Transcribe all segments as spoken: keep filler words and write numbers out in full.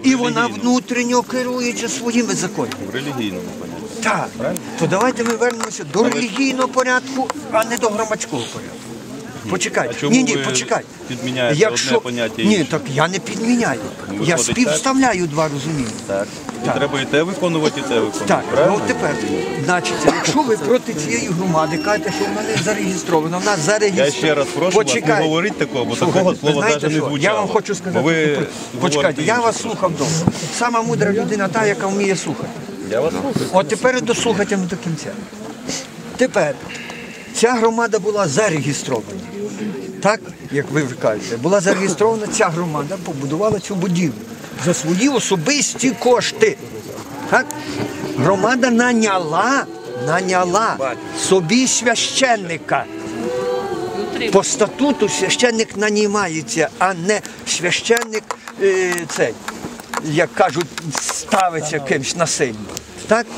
І вона внутрішньо керується своїми законами. В релігійному понятті. Так. То давайте ми вернемося до релігійного порядку, а не до громадського порядку. Почекайте. А чому Ні, ні, ви почекайте. підміняєте Якщо... одне поняття Ні, інше? так я не підміняю. Я виходить співставляю два розуміння. Так. І треба і те виконувати, і те виконувати. Так, правильно? ну тепер, значить, якщо ви проти цієї громади кажете, що вона не зареєстрована, вона зареєстрована. Я ще раз прошу вас не говорити такого, бо такого ви слова знаєте навіть не що? звучало. Я вам хочу сказати, Бо ви почекайте, говорите я інше вас просто. слухав довго. Сама мудра людина та, яка вміє слухати. Я вас слухаю. От тепер дослухайте до кінця. Тепер, ця громада була зареєстрована. Так, як ви кажете, була зареєстрована ця громада, побудувала цю будівлю за свої особисті кошти. Так? Громада наняла, наняла собі священника. По статуту священник нанімається, а не священник е, цей, як кажуть, ставиться кимось насильно. Так?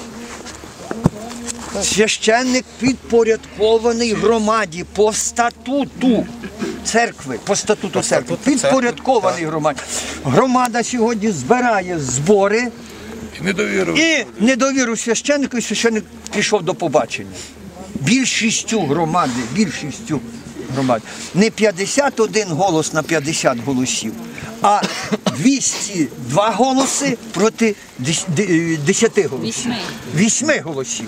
Священник підпорядкований громаді по статуту церкви, по статуту церкви, підпорядкований громаді. Громада сьогодні збирає збори і недовіру священнику, і священник пішов до побачення. Більшістю громади, більшістю громади. Не п'ятдесят один голос на п'ятдесят голосів, а двісті два голоси проти десяти голосів. Вісьми голосів.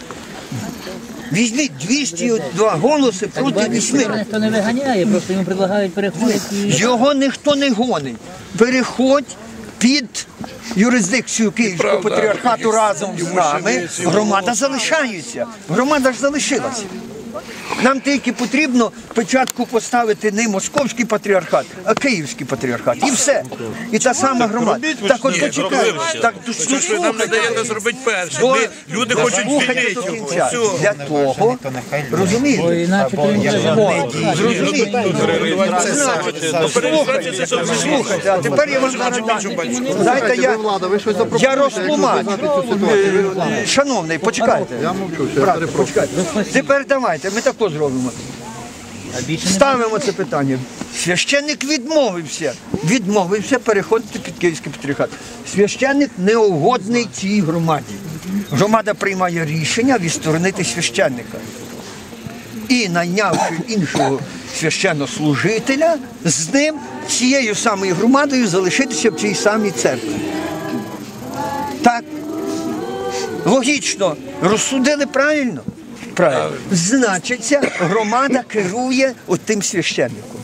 Візьміть двісті два голоси проти вісьми. Ніхто не виганяє, просто йому предлагають переходити. Його ніхто не гонить. Переходь під юрисдикцію Київського патріархату разом з нами. Громада залишається. Громада ж залишилася. Нам тільки потрібно спочатку поставити не московський патріархат, а київський патріархат. І все. І та сама громада. Так от почекайте. Так, Що нам не даєте зробити перше? До- Ми- Люди хочуть Слухайте до звільнити кінця. його. Для того, розумієте? Іначе то він О, зрозумієте? Слухайте, слухайте, а тепер я вам дайте я, я розтлумачу. Е, Шановний, почекайте. Я мовчу, почекайте. Тепер давайте, ми також зробимо. Ставимо це питання. Священник відмовився. Відмовився переходити під Київський патріархат. Священник неугодний цій громаді. Громада приймає рішення відсторонити священника. І найнявши іншого священнослужителя, з ним, цією самою громадою залишитися в цій самій церкві. Так. Логічно. Розсудили правильно? Правильно. Значить, ця громада керує отим священником.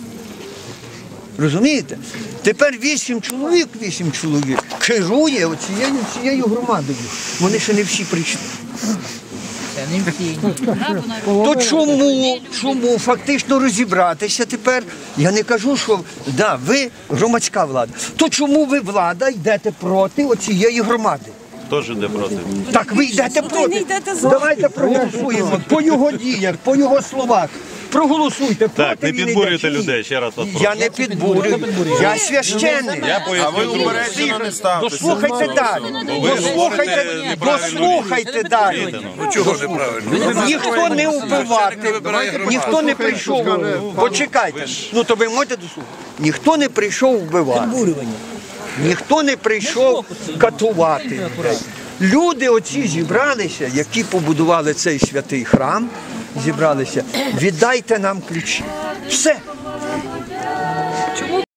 Розумієте? Тепер вісім чоловік, вісім чоловік керує оцією, цією громадою. Вони ще не всі прийшли. Це не всі. То чому, чому фактично розібратися тепер? Я не кажу, що да, ви громадська влада. То чому ви, влада, йдете проти оцієї громади? Теж йде проти. Так ви йдете проти. Давайте проголосуємо по його діях, по його словах. Проголосуйте проти. Так, не він підбурюйте йде чи ні? людей, ще раз вас прошу. Я не підбурюю. Я священник. Я А ви поясню. упереджено не ставтеся. Дослухайте далі. ви Дослухайте, говорите неправильну дослухайте далі. Ну чого неправильно? Ніхто не вбивати, вибирає громаду. ніхто не прийшов. Почекайте. Ну то ви можете дослухати. Ніхто не прийшов вбивати. Ніхто не прийшов катувати. Люди оці зібралися, які побудували цей святий храм, зібралися, віддайте нам ключі. Все.